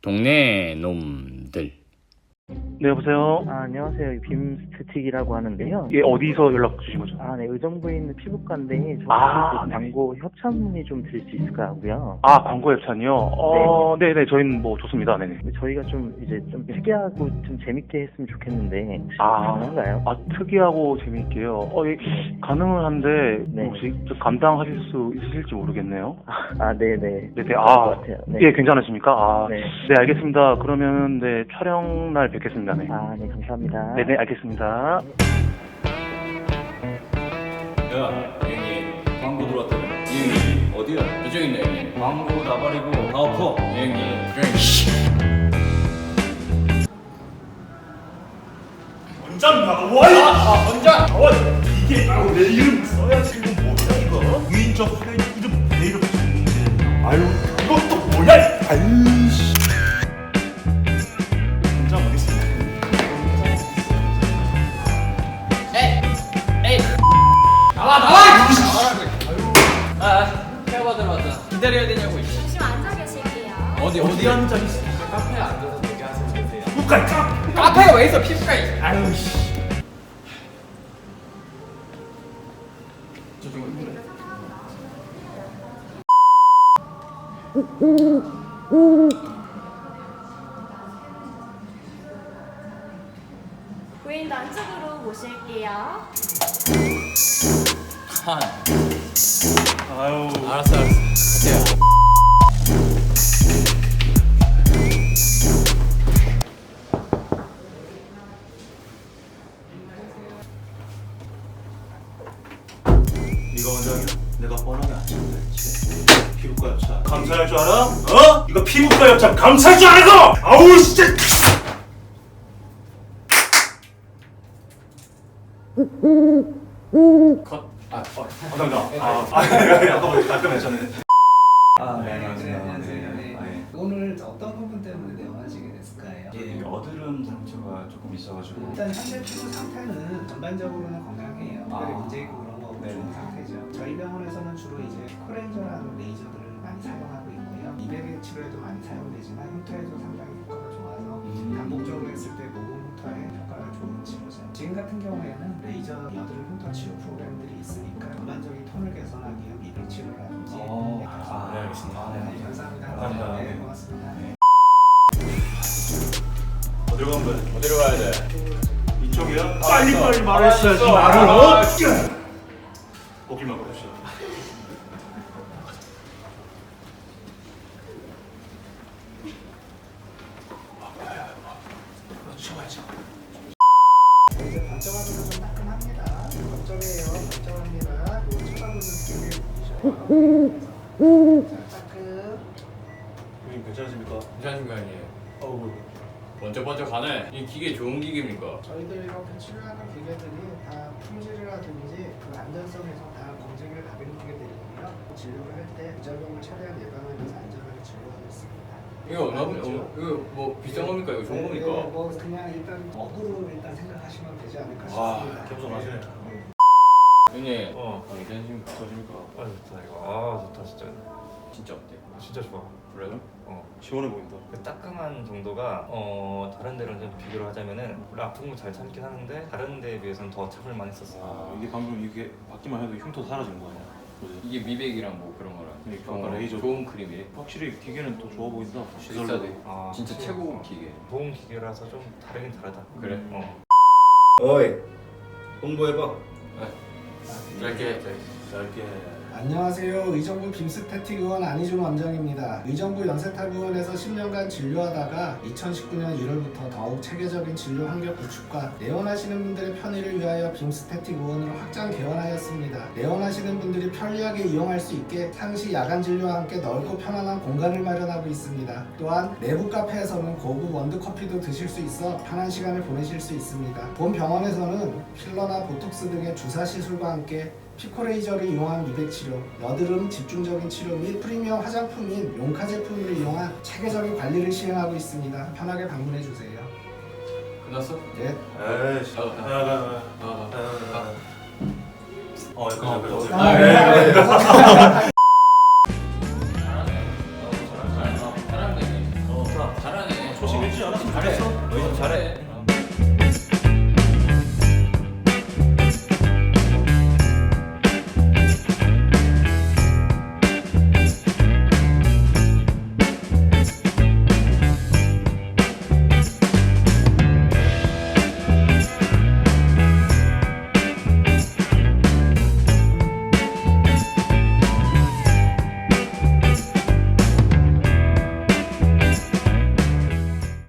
동네 놈들. 네, 여보세요? 안녕하세요. 빔스태틱이라고 하는데요. 예, 어디서 연락 주신 거죠? 네, 의정부에 있는 피부과인데 저 네. 광고 협찬 문의 좀 드릴 수 있을까 하고요. 광고 협찬이요? 네네, 저희는 뭐 좋습니다. 네네. 저희가 좀 이제 좀 특이하고 좀 재밌게 했으면 좋겠는데 혹시 아. 가능한가요? 특이하고 재미있게요. 예, 가능은 한데, 네. 혹시 좀 감당하실 수 있으실지 모르겠네요. 네네. 네네, 그럴 것 같아요. 네. 예, 괜찮으십니까? 네. 네, 알겠습니다. 그러면, 네, 촬영 날 뵙겠습니다. 네. 네, 감사합니다. 네네, 알겠습니다. 야, 형님 광고 들어왔다며. 형님 어디야? 저쪽 있네 형님. 광고 나발이고 다 엎어. 형님. 원장 나와! 원장. 이게 바로 내 이름 써야지. 이거 뭐야 이거? 유인적 내 이름 내 이름 썼는데. 아유 이것도 뭐야? 아이씨. 원장 어디 있어? 에이. 나와. 태워봐 들어왔다. 기다려야 되냐고. 잠시만 앉아 계실게요. 어디 앉아 있어? 카페에 앉아서 얘기하세요. 주세요. 피부과에 카페가 왜 있어 피부과에? 아유 씨. 고객님도 안쪽으로 모실게요. 아유. 알았어. 갈게요. 네가 원장이야? 내가 뻔하게 안 친다 했지. 피부과 협찬 감사할 줄 알아? 어? 이거 피부과 협찬 감사할 줄 알아 이거! 아우 진짜! 컷. 감사합니다. 아까 뭐 깔끔했잖아요. 네, 안녕하세요. 네. 오늘 어떤 부분 때문에 내원하시게 됐을까요? 이 여드름 상처가 조금 있어가지고 일단 현재 피부 상태는 전반적으로는 건강해요. 특별히 문제 있고 그런 거 없는 좋은 상태죠. 저희 병원에서는 주로 이제 코레이저라는 레이저들을 많이 사용하고 있고요. 미백 치료에도 많이 사용되지만 흉터에도 상당히 효과가 좋아서 반복적으로 했을 때 모공 흉터에 효과가 좋은 치료죠. 지금 같은 경우에는 레이저 여드름 흉터 치료 프로그램들이 있으니까 전반적인 톤을 개선하기 위한 미백 치료라든지 네, 알겠습니다. 네, 감사합니다. 감사합니다. 네, 고맙습니다. 어디로 가면 돼? 어디로 가야 돼? 이쪽이야? 빨리 말했어야지 말을 거기만 그러시죠. 이제 반점하기도 좀 따끔합니다. 반점이에요. 반점합니다. 요 쳐다보는 느낌이 보이셔요. 자, 따끔. 형님 괜찮으십니까? 괜찮으신가 형님? 어우 번쩍번쩍 가네. 이 기계 좋은 기계입니까? 저희들 이렇게 치료하는 기계들이 다 품질이라든지 그 안전성에서 다 검증을 받은 기계들이고요. 진료를 할 때 부작용을 최대한 예방을 위해서 안전하게 진료하고 있습니다. 이거 이거 뭐 비싼 겁니까? 이거 좋은 겁니까? 네, 뭐 그냥 일단 어그로 일단 생각하시면 되지 않을까 싶습니다. 겸손하시네. 형님. 괜찮으십니까? 좋으십니까? 아 좋다 이거. 좋다 진짜. 진짜 어때? 진짜 좋아. 그래요? 시원해 보인다. 그 따끔한 정도가 다른 데랑 좀 비교를 하자면은 원래 아픈 거 잘 참긴 하는데 다른 데에 비해서는 더 참을 많이 썼어요. 이게 방금 이게 받기만 해도 흉터 사라지는 거 아니야? 그지? 이게 미백이랑 뭐 그런 거랑 그러니까 레이저. 좋은 크림이래. 확실히 기계는 더 좋아 보인다. 비싸대. 아, 진짜 그치. 최고급 기계. 좋은 기계라서 좀 다르긴 다르다. 그래? 어이 홍보해봐. 짧게. 안녕하세요. 의정부 빔스태틱 의원 안희준 원장입니다. 의정부 연세탑의원에서 10년간 진료하다가 2019년 1월부터 더욱 체계적인 진료 환경 구축과 내원하시는 분들의 편의를 위하여 빔스태틱 의원으로 확장 개원하였습니다. 내원하시는 분들이 편리하게 이용할 수 있게 상시 야간 진료와 함께 넓고 편안한 공간을 마련하고 있습니다. 또한 내부 카페에서는 고급 원두커피도 드실 수 있어 편한 시간을 보내실 수 있습니다. 본 병원에서는 필러나 보톡스 등의 주사 시술과 함께 피코레이저를 이용한 미백 치료, 여드름 집중적인 치료 및 프리미엄 화장품인 용카 제품을 이용한 체계적인 관리를 시행하고 있습니다. 편하게 방문해 주세요. 끝났어? 네. 에이씨. 가. 약간 잘하네. 잘하네. 않아? 잘했어. 너 이제 잘해.